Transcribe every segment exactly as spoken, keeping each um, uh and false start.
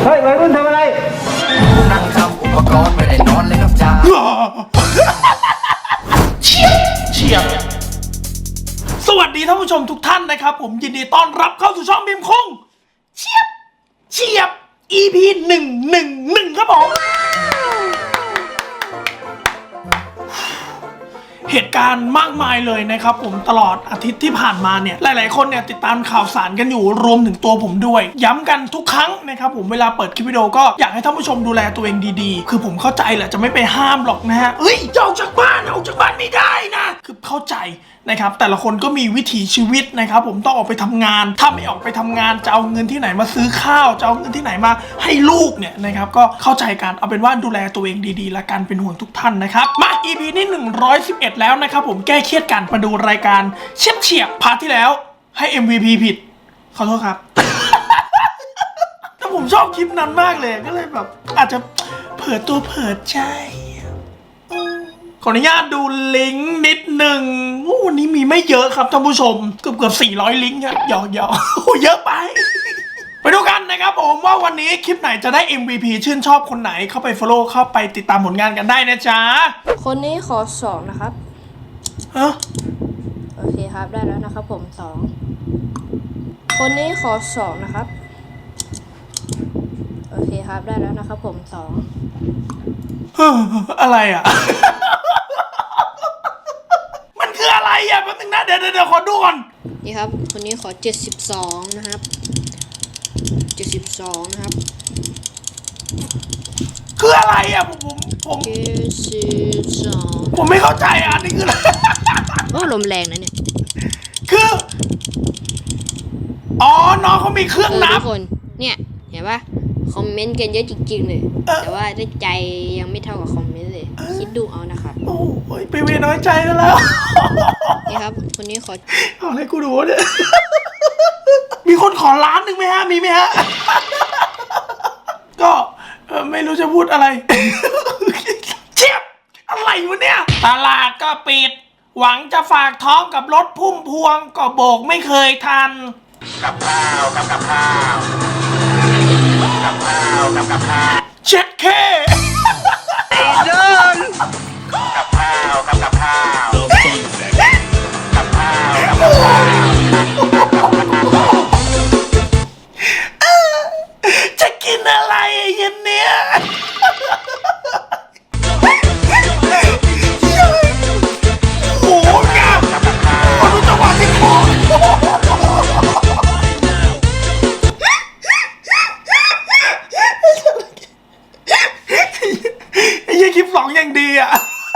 เฮ้ยวัยรุ่นทำอะไรนั่งทำอุปกรณ์ไม่ได้นอนเลยครับจ้าเฉียบเฉียบสวัสดีท่านผู้ชมทุกท่านนะครับผมยินดีต้อนรับเข้าสู่ช่องบีมคงเฉียบเฉียบ อี พี หนึ่งหนึ่งหนึ่งครับผมเหตุการณ์มากมายเลยนะครับผมตลอดอาทิตย์ที่ผ่านมาเนี่ยหลายๆคนเนี่ยติดตามข่าวสารกันอยู่รวมถึงตัวผมด้วยย้ำกันทุกครั้งนะครับผมเวลาเปิดคลิปวิดีโอก็อยากให้ท่านผู้ชมดูแลตัวเองดีๆคือผมเข้าใจแหละจะไม่ไปห้ามหรอกนะฮะเฮ้ยจะออกจากบ้านออกจากบ้านไม่ได้นะคือเข้าใจนะครับแต่ละคนก็มีวิถีชีวิตนะครับผมต้องออกไปทำงานถ้าไม่ออกไปทำงานจะเอาเงินที่ไหนมาซื้อข้าวจะเอาเงินที่ไหนมาให้ลูกเนี่ยนะครับก็เข้าใจกันเอาเป็นว่าดูแลตัวเองดีๆและกันเป็นห่วงทุกท่านนะครับมา อี พี นี้หนึ่งร้อยสิบเอ็ดแล้วนะครับผมแก้เครียดกันมาดูรายการเฉียบเฉียบพาร์ทที่แล้วให้ เอ็ม วี พี ผิดขอโทษครับ แต่ผมชอบคลิปนั้นมากเลยก็เลยแบบอาจจะเผิดตัวเผิดใจขออนุญาตดูลิงก์นิดหนึ่งวันนี้มีไม่เยอะครับท่านผู้ชมเกือบเกือบสี่ร้อยลิงก์ครับหยอกหยอกเยอะไป ไปดูกันนะครับผมว่าวันนี้คลิปไหนจะได้ เอ็ม วี พี ชื่นชอบคนไหนเข้าไป follow เข้าไปติดตามผลงานกันได้นะจ๊ะคนนี้ขอสองนะครับฮะโอเคครับได้แล้วนะครับผมสองคนนี้ขอสองนะครับโอเคครับได้แล้วนะครับผมสองอะไรอ่ะ มันคืออะไรอ่ะแป๊บนึงนะเดี๋ยวเดี๋ยวขอดูก่อนนี่ครับคนนี้ขอเจ็ดสิบสองนะครับเจ็ดสิบสองนะครับคืออะไรอ่ะผมผมผมเจ็ดสิบสองผมไม่เข้าใจอ่ะนี่คืออะไรโอ้ลมแรงนะเนี่ยคืออ๋อน้องเขามีเครื่องนับทุกคนเนี่ยเห็นปะคอมเมนต์กันเยอะจริงๆเลยแต่ว่าได้ใจยังไม่เท่ากับคอมเมนต์เลยคิดดูเอานะครับโอ้ยไปเวน้อยใจแล้วนี่ครับคนนี้ขอเอาอะไรกูดูเนี่ยมีคนขอล้านหนึ่งไหมฮะมีไหมฮะก็ไม่รู้จะพูดอะไรเชียบอะไรวะเนี่ยตลาดก็ปิดหวังจะฝากท้องกับรถพุ่มพวงก็โบกไม่เคยทันกับข้าวกับกับข้าวกับข้าวกับกับข้าวเช็ดแค่เดินกับข้าวกับกับข้าวกับข้าวกับกับข้าวจะกินอะไรเย็นเนี้ยโอ้โหงามมาดูจังหวะที่คอไอ้ยี่คลิปสองอย่างดีอ่ะ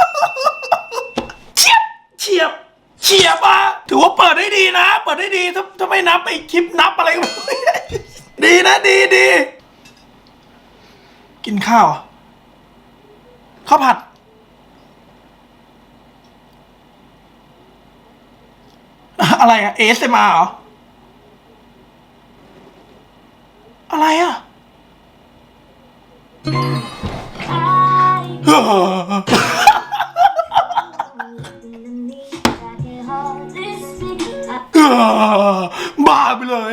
เฉียบเฉียบเฉียบอ่ะถือว่าเปิดได้ดีนะเปิดได้ดีถ้าถ้าไม่นับไอ้คลิปนับอะไรก็ไม่ดีนะดีดีกินข้าวข้าวผัดอะไรอะ เอ เอส เอ็ม อาร์ เหรออะไรอะบ้าไปเลย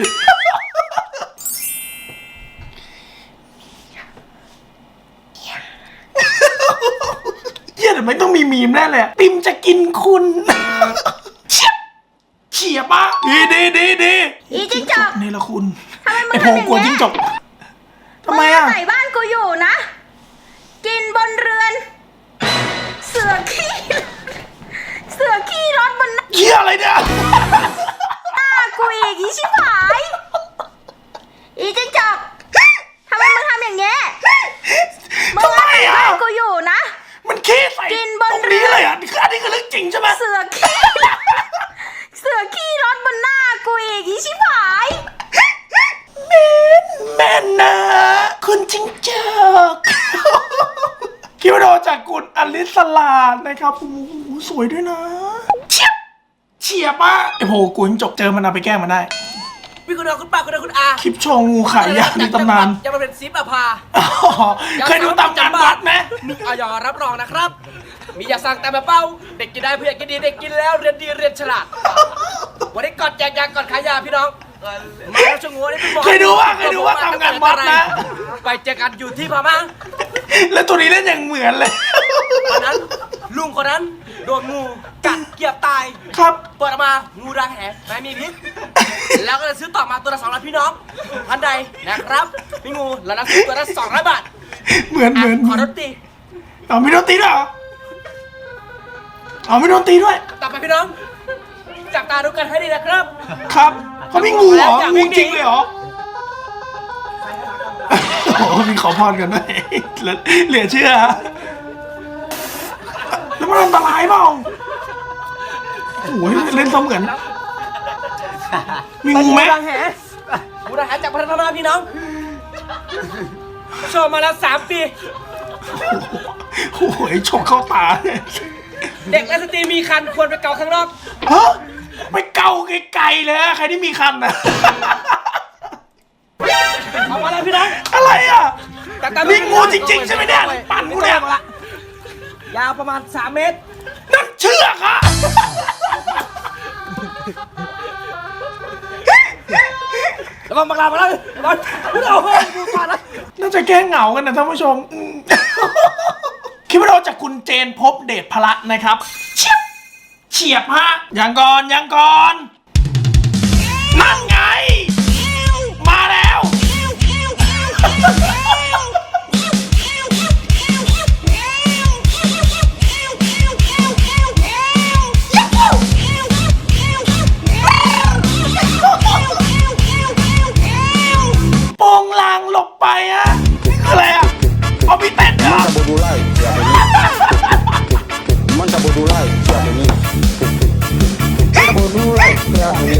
เยี่ยแต่ไม่ต้องมีมีมแน่เลยปิมจะกินคุณเฉียบเฉียบปะดีดีดีดีอีจิ้งจกนี่ละคุณไอโพงกลัวจิ้งจกทำไมอ่ะใส่บ้านกูอยู่นะกินบนเรือนเสือขี้เสือขี้รถบนเหี้ยอะไรเนี่ยหน้ากูอีกอีชิบหายอีจิ้งจกทำไมมึงทำอย่างเงี้ยมึงใส่บ้านกูอยู่นะมันขี้ใส่กินบนเรือนเลยอ่ะคืออันนี้คือเรื่องจริงใช่ไหมเสือขี้เสือขี้รถบนหน้ากูอีกอีชิบหายแม่นแม่นนะคุณจิ้งจกคิวโดจากกุลอลิสลานะครับโอ้โหสวยด้วยนะเฉียบเฉียบอ่ะไอโหกูจิ้งจกเจอมันเอาไปแก้มันได้พี่คุณอาคุณป้าคุณอาคุณอาคลิปโชว์งูขายยาในตำนานจะมาเป็นซิปอภาเคยดูตำนานวัดไหมมีออยรับรองนะครับมีอย่าสั่งแต่แบบเป้าเด็กกินได้เพื่อนกินดีเด็กกินแล้วเรียนดีเรียนฉลาดวันนี้ก่อนแจกยาก่อนขายยาพี่น้องมาแล้วช่วงหัวนี่เป็นหมอเคยดูว่าเคยดูว่าทำงานวัดนะไปเจอกันอยู่ที่พม่าแล้วตัวนี้เล่นอย่างเหมือนเลยวันนั้นลุงคนนั้นโดนงูกัดเกียบตายครับเปิดออกมางูรังแหไม่มีพิษแล้วก็เลยซื้อต่อมาตัวละสองร้อยพี่น้องท่านใดนะครับมีงูแล้วนะซื้อตัวละสองร้อยบาทเหมือนเหมือนขอรถตีเอาไม่โดนตีด้วยเหรอเอาไม่โดนตีด้วยต่อไปพี่น้องจับตาดูกันให้ดีนะครับครับเขามีงูเหรออยากงูวิ่งหนีจริงเลยเหรอโอ้โหมีขอพรกันด้วยเหลือเชื่อแล้วมันอันตรายเปล่าโอ้ยเล่นเสมือนมีงูไหมรังแหงูรังแหจากพัฒนาพี่น้องโชว์มาแล้วสามปีโอ้ยฉกเข้าตาเลยเด็กและสตรีมีคันควรไปเกาข้างนอกฮะไปเกาไกลๆเลยอะใครที่มีคันนะเอามาแล้วพี่น้องอะไรอ่ะแต่แต่นี่งูจริงๆใช่ไหมเนี่ยปั่นกูเนี่ยยาวประมาณสามเมตรนั่นเชือกอะแล้วก็มาลามาแล้วบอลพูดเอาเฮ้ยดูก่อนนะน่าจะแก้เหงากันนะท่านผู้ชมอืมคลิปวิดีโอจากคุณเจนพบเดชพละนะครับเฉียบเฉียบฮะยังก่อนยังก่อนนั่นไง มาแล้ว โปงลางหลบไปอะนี่คืออะไรอะเอาพี่เต้นเหรอ bodo lai, siapa ini? Mantap bodo lai, siapa ini? Mantap bodo lai, siapa ini?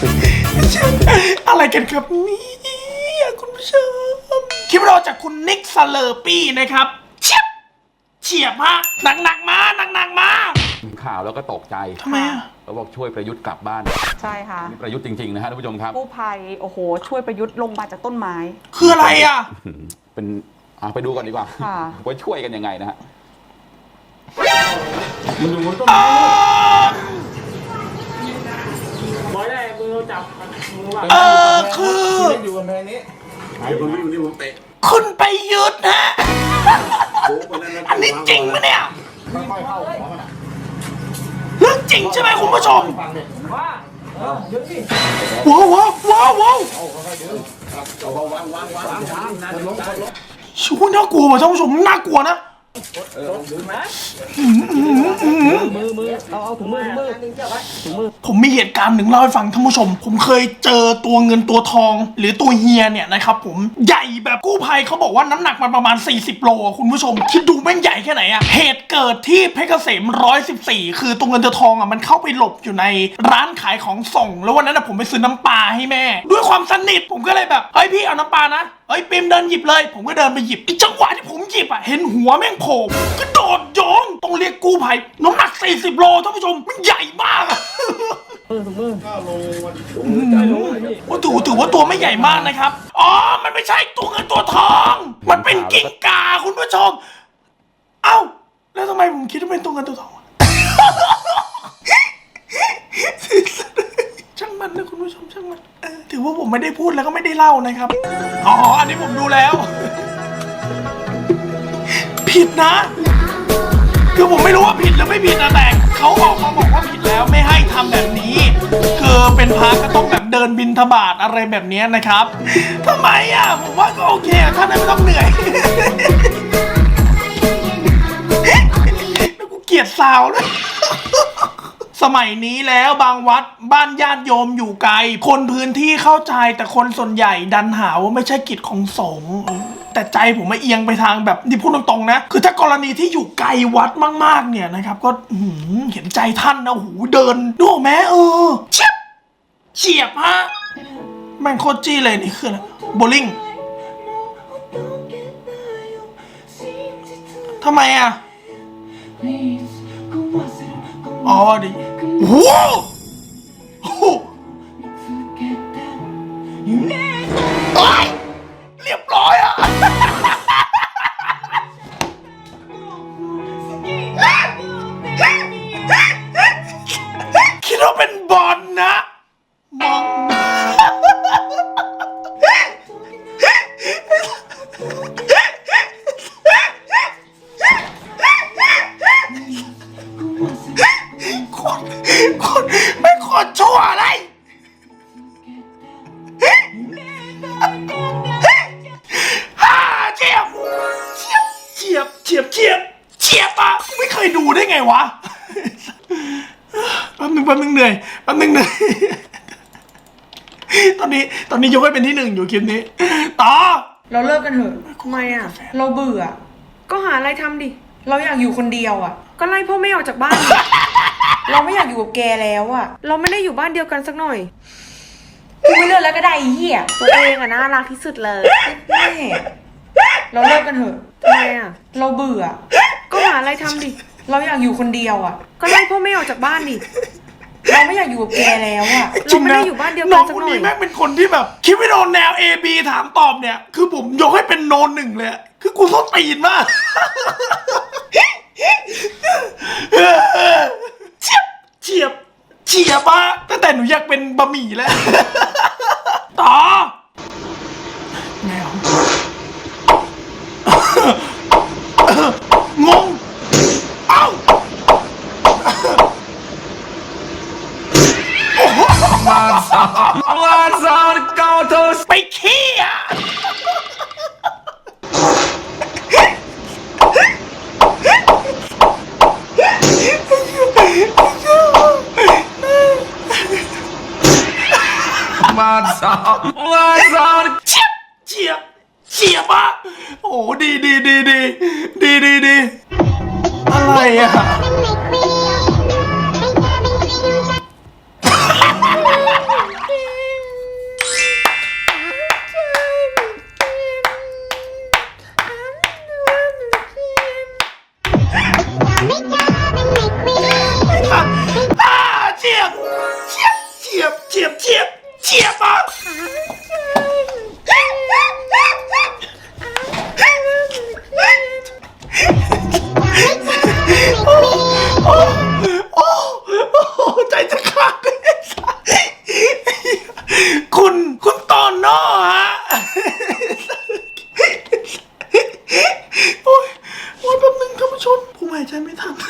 อะไรกันครับเนี่ยคุณผู้ชมคลิปเราจากคุณนิกสเลอร์ปี้นะครับเฉียบเฉียบฮะหนักหนักๆมาหนักหนักๆมาข่าวแล้วก็ตกใจทำไมอะเขาบอกช่วยประยุทธ์กลับบ้านใช่ค่ะนี่ประยุทธ์จริงๆนะฮะท่านผู้ชมครับกู้ภัยโอ้โห ช่วยประยุทธ์ลงมาจากต้นไม้คืออะไรอะเป็นอ่ะไปดูก่อนดีกว่าค่ะว่าช่วยกันยังไงนะฮะอ่าเออคือคุณไปยึดฮะอันนี้จริงไหมเนี่ยเรื่องจริงใช่ไหมคุณผู้ชมว้าวว้าวว้าวว้าวชูน่ากลัวว่ะท่านผู้ชมน่ากลัวนะผมมีเหตุการณ์หนึ่งเล่าให้ฟังท่านผู้ชม ผมเคยเจอตัวเงินตัวทอง หรือตัวเฮียเนี่ยนะครับผมใหญ่แบบกู้ภัยเขาบอกว่าน้ำหนักมันประมาณสี่สิบโลอะคุณผู้ชมคิดดูแม่งใหญ่แค่ไหนอะเหตุเกิดที่เพชรเกษมหนึ่งร้อยสิบสี่คือตัวเงินตัวทองอะมันเข้าไปหลบอยู่ในร้านขายของส่ง แล้ววันนั้นอะผมไปซื้อน้ำปลาให้แม่ ด้วยความสนิทผมก็เลยแบบเฮ้ยพี่เอาน้ำปลานะเฮ้ยปิมเดินหยิบเลยผมก็เดินไปหยิบไอ้จังหวะที่ผมหยิบอะเห็นหัวแม่งโผล่ก็โดดโยงต้องเรียกกู้ภัยน้ำหนักสี่สิบโลท่านผู้ชมมันใหญ่มากอะว่าถือถือว่าตัวไม่ใหญ่มากนะครับอ๋อมันไม่ใช่ตัวเงินตัวทอง มันเป็นกิ้งก่าคุณผู้ชมเอ้าแล้วทำไมผมคิดว่าเป็นตัวเงินตัวทองช่างมันนะคุณผู้ชมช่างมันเออถือว่าผมไม่ได้พูดแล้วก็ไม่ได้เล่านะครับอ๋ออันนี้ผมดูแล้ว ผิดนะคือผมไม่รู้ว่าผิดหรือไม่ผิดนะแต่เขาออกมาบอกว่าผิดแล้วไม่ให้ทำแบบนี้คือเป็นพระก็ต้องแบบเดินบิณฑบาตอะไรแบบนี้นะครับทำไมอ่ะผมว่าก็โอเคท่านไม่ต้องเหนื่อยแล้วกูเกลียดสาวนะสมัยนี้แล้วบางวัดบ้านญาติโยมอยู่ไกลคนพื้นที่เข้าใจแต่คนส่วนใหญ่ดันหาว่าไม่ใช่กิจของสงฆ์แต่ใจผมมาเอียงไปทางแบบที่พูดตรงๆนะคือถ้ากรณีที่อยู่ไกลวัดมากๆเนี่ยนะครับก็เห็นใจท่านนะหูเดินดูแม้เออเฉียบเฉียบฮะแม่งโคตรจี้เลยนี่คืออะไรโบลิ่งทำไมอ่ะอ๋อดิโอ้โหเรียบร้อยอ่ะคิดว่าเป็นบอลนะมองฉียบเฉียบเฉียบอะไม่เคยดูได้ไงวะแป๊บนึงแป๊บนึงเหนื่อยแป๊บนึงเหนื่อยตอนนี้ตอนนี้ยกให้เป็นที่หนึ่งอยู่คลิปนี้ต่อเราเลิกกันเถอะทำไมอ่ะ เราเบื่อ ก็หาอะไรทำดิ เราอยากอยู่คนเดียวอ่ะ ก็ไล่พ่อแม่ออกจากบ้านดิเราไม่อยากอยู่กับแกแล้วอ่ะ เราไม่ได้อยู่บ้านเดียวกันสักหน่อยกูไม่เลือกแล้วก็ได้ไอ้เหี้ยตัวเองอ่ะน่ารักที่สุดเลยแม่เราเลิกกันเถอะทำไมอ่ะ เราเบื่อ ก็หาอะไรทำดิ เราอยากอยู่คนเดียวอ่ะ ก็ไล่พ่อแม่ออกจากบ้านดิเราไม่อยากอยู่กับแกแล้วอะเราไม่ได้อยู่บ้านเดียวกันสักหน่อยน้องคนนี้แม่งเป็นคนที่แบบคิดไม่โดนแนว A B ถามตอบเนี่ยคือผมยกให้เป็นโนนหนึ่งเลยคือกูต้องตีนมากเฉียบเฉียบเฉียบอะตั้งแต่หนูอยากเป็นบะหมี่แล้วต่อแมวงงเอ้าไปขี้อ่ะมาสอบมาสอบเฉียบเฉียบเฉียบอ่ะโอ้ดีดีดีดีดีดีดีอะไรอ่ะเฉียบเฉียบเฉียบเฉียบเฉียบเฉียบอ่ะโอ้โอ้โอ้โอ้ใจจะขาดคุณคุณตอนนอฮะโอ้ยโอ้ยแป๊บนึงท่านผู้ชมผมหายใจไม่ทัน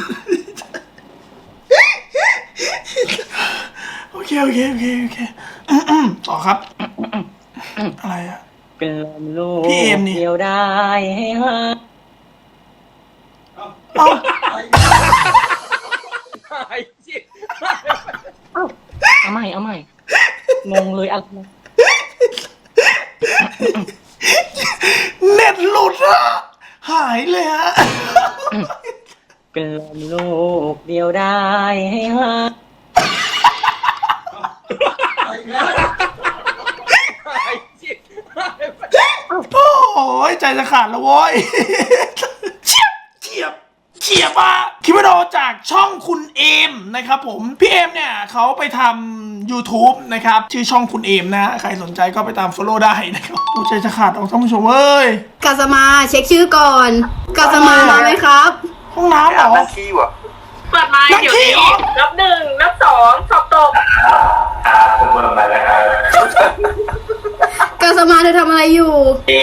โอเคโอเคโอเคโอเคต่อครับอะไรอะเป็นลมลูกพี่เอมนี่เดียวได้ให้ฮะเอาเอาใหม่เอาใหม่งงเลยอะไรเน็ตหลุดอะหายเลยฮะเป็นลมลูกเดียวได้ให้ฮะโอ้ยใจจะขาดแล้วโว้ยเฉียบเฉียบเฉียบอะคลิปวิดีโอจากช่องคุณเอมนะครับผมพี่เอมเนี่ยเขาไปทำ YouTube นะครับชื่อช่องคุณเอมนะใครสนใจก็ไปตาม follow ได้นะครับโอ้ใจจะขาดออกท่านผู้ชมเอ้ยกาสมาเช็คชื่อก่อนกาสมามาไหมครับห้องน้ำเหรอเปิดไมค์เดี๋ยวนี้นับหนึ่งนับสองสอบตกกาสมาเธอทำอะไรอยู่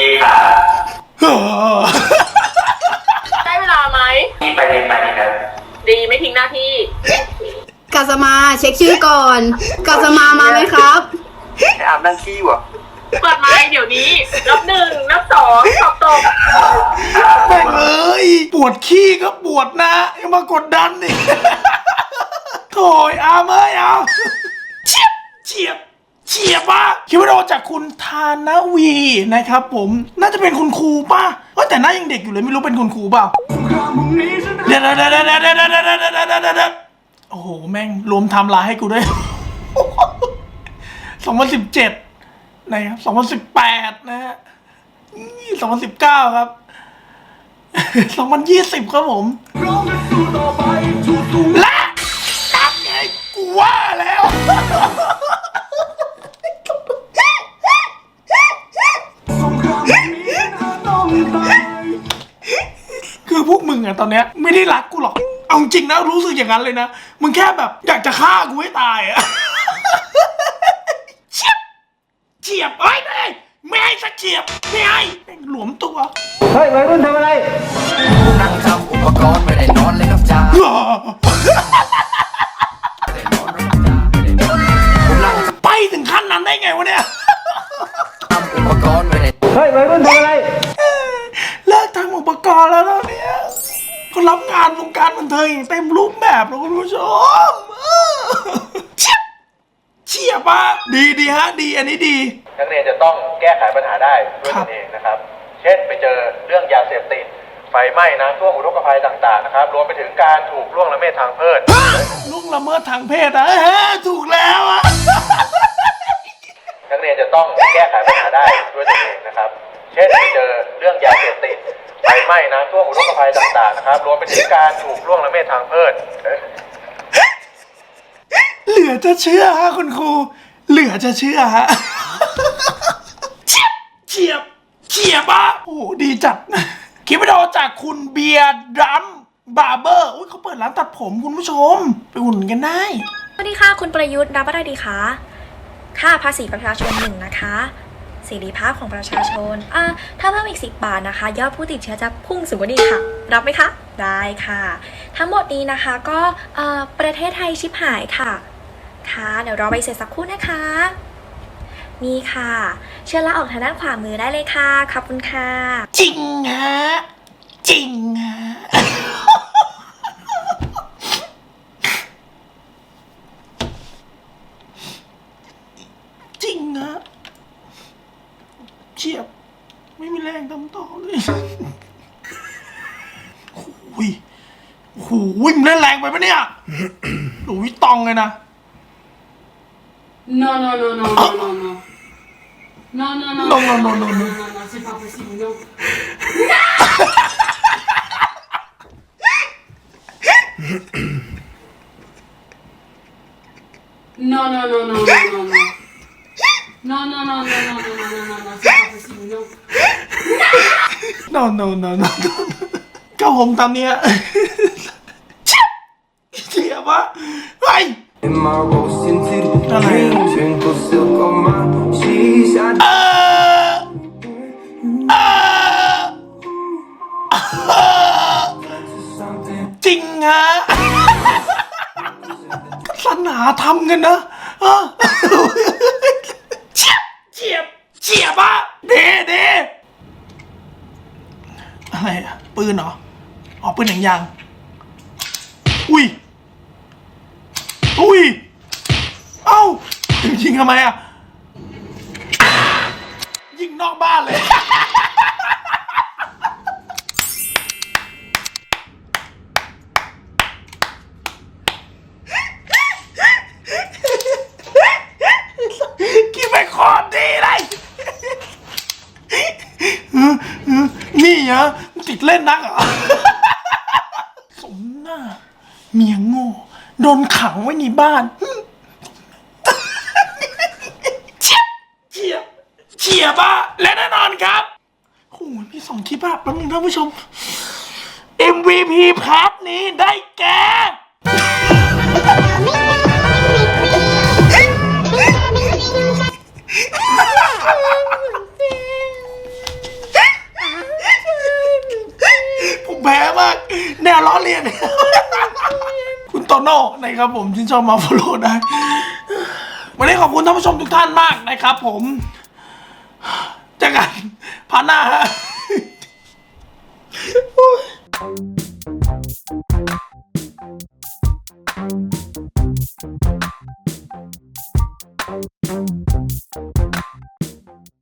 ได้เวลาไหมไปเลยไปเลยครับดีไม่ทิ้งหน้าที่กาสมาเช็คชื่อก่อนกาสมามาไหมครับอาบน้ำขี้วะเปิดไมค์เดี๋ยวนี้นับหนึ่งนับสองสอบตกแม่งเอ้ยปวดขี้ก็ปวดนะยังมากดดันอีกโถยอามเอ้ยเอาเฉียบเฉียบเฉียบอะคลิปวิดีโอจากคุณธานวีนะครับผมน่าจะเป็นคุณครูป่ะว่าแต่หน้ายังเด็กอยู่เลยไม่รู้เป็นคุณครูเปล่าเดี๋ยวเดี๋ยวเดี๋ยวเดี๋ยวเดี๋ยวเดี๋ยวเดี๋ยวเดี๋ยวเดี๋ยวโอ้โหแม่งรวมไทม์ไลน์ให้กูด้วยสองพันสิบเจ็ดนะครับสองพันสิบแปดนะฮะสองพันสิบเก้าครับสองพันยี่สิบครับผมและตัดไงกูว่าแล้วคือพวกมึงอะตอนเนี้ยไม่ได้รักกูหรอกเอาจริงนะรู้สึกอย่างนั้นเลยนะมึงแค่แบบอยากจะฆ่ากูให้ตายอะเฉียบเฉียบเอ้ยไม่ไม่ให้สักเฉียบไม่ให้หลวมตัวเฮ้ยวัยรุ่นทำอะไรนั่งทำอุปกรณ์ไม่ได้นอนเลยครับจ้าไปถึงขั้นนั้นได้ไงวะเนี่ยทำอุปกรณ์ไม่ได้เฮ้ยวัยรุ่นทำอะไรเลิกทำอุปกรณ์แล้วตอนเนี้ยเขารับงานวงการบันเทิงอย่างเต็มรูปแบบแล้วคุณผู้ชมเฉียบเฉียบอ่ะดีดีฮะดีอันนี้ดีนักเรียนจะต้องแก้ไขปัญหาได้ด้วยตนเองนะครับ เช่นไปเจอเรื่องยาเสพติดไฟไหม้น้ำท่วมอุทกภัยต่างๆนะครับรวมไปถึงการถูกล่วงละเมิดทางเพศล่วงละเมิดทางเพศอะถูกแล้วอะนักเรียนจะต้องแก้ไขปัญหาได้ด้วยตนเองนะครับ เช่นไปเจอเรื่องยาเสพติดไฟไหม้น้ำท่วมอุทกภัยต่างๆนะครับรวมไปถึงการถูกล่วงละเมิดทางเพศเหลือจะเชื่อฮะคุณครูเหลือจะเชื่อฮะเฉียบเฉียบอ่ะโอ้โหดีจัดคลิปวิดีโอจากคุณเบียร์ดัมบาร์เบอร์อุ้ยเขาเปิดร้านตัดผมคุณผู้ชมไปอุ่นกันได้สวัสดีค่ะคุณประยุทธ์รับอะไรดีคะค่าภาษีประชาชนหนึ่งนะคะเสรีภาพของประชาชนอ่าถ้าเพิ่มอีกสิบบาทนะคะยอดผู้ติดเชื้อจะพุ่งสูงกว่านี้ค่ะรับไหมคะได้ค่ะทั้งหมดนี้นะคะก็เอ่อประเทศไทยชิบหายค่ะค่ะเดี๋ยวรอใบเสร็จสักครู่นะคะนี่ค่ะเชิญลาออกทางด้านขวามือได้เลยค่ะขอบคุณค่ะจริงฮะจริงฮะจริงฮะเฉียบไม่มีแรงทำต่อเลยโอ้ยโอ้โหวิ่งเล่นแรงไปปะเนี่ยหนูวิตองเลยนะ No, no, no, no, no, no, no. No, no, no, no, no, no, no, no, no, c'est pas possible, non. Non, non, non, non, non, non, non. Non, non, non, non, non, non, non, non, non, non, c'est pas possible, non. No, no, no, no, no. ก็ผมตามเนี้ยเสียบะไอ้อะไรจริงฮะสนาทำกันนะเฉียบเฉียบเฉียบอะเด้เด้อะไรอะปืนเหรออ๋อปืนหนังยางอุ้ยอุ้ยเอ้ายิงทำไมอ่ะยิงนอกบ้านเลยกินไปคอดีเลยนี่ฮะติดเล่นนักเหรอสมหน้าเมียโง่โดนขังไว้ในบ้านเฉียบเฉียบเฉียบอะและแน่นอนครับโอ้ยมีสองคลิปอะแป๊บนึงท่านผู้ชม เอ็ม วี พี พาร์ทนี้ได้แก่ผมแพ้มากแนวล้อเลียนคุณโตโน่นะครับผมที่ชอบมาฟอลโล่ได้วันนี้ขอบคุณท่านผู้ชมทุกท่านมากนะครับผมเจอกันพาร์ทหน้าฮะ Thank you.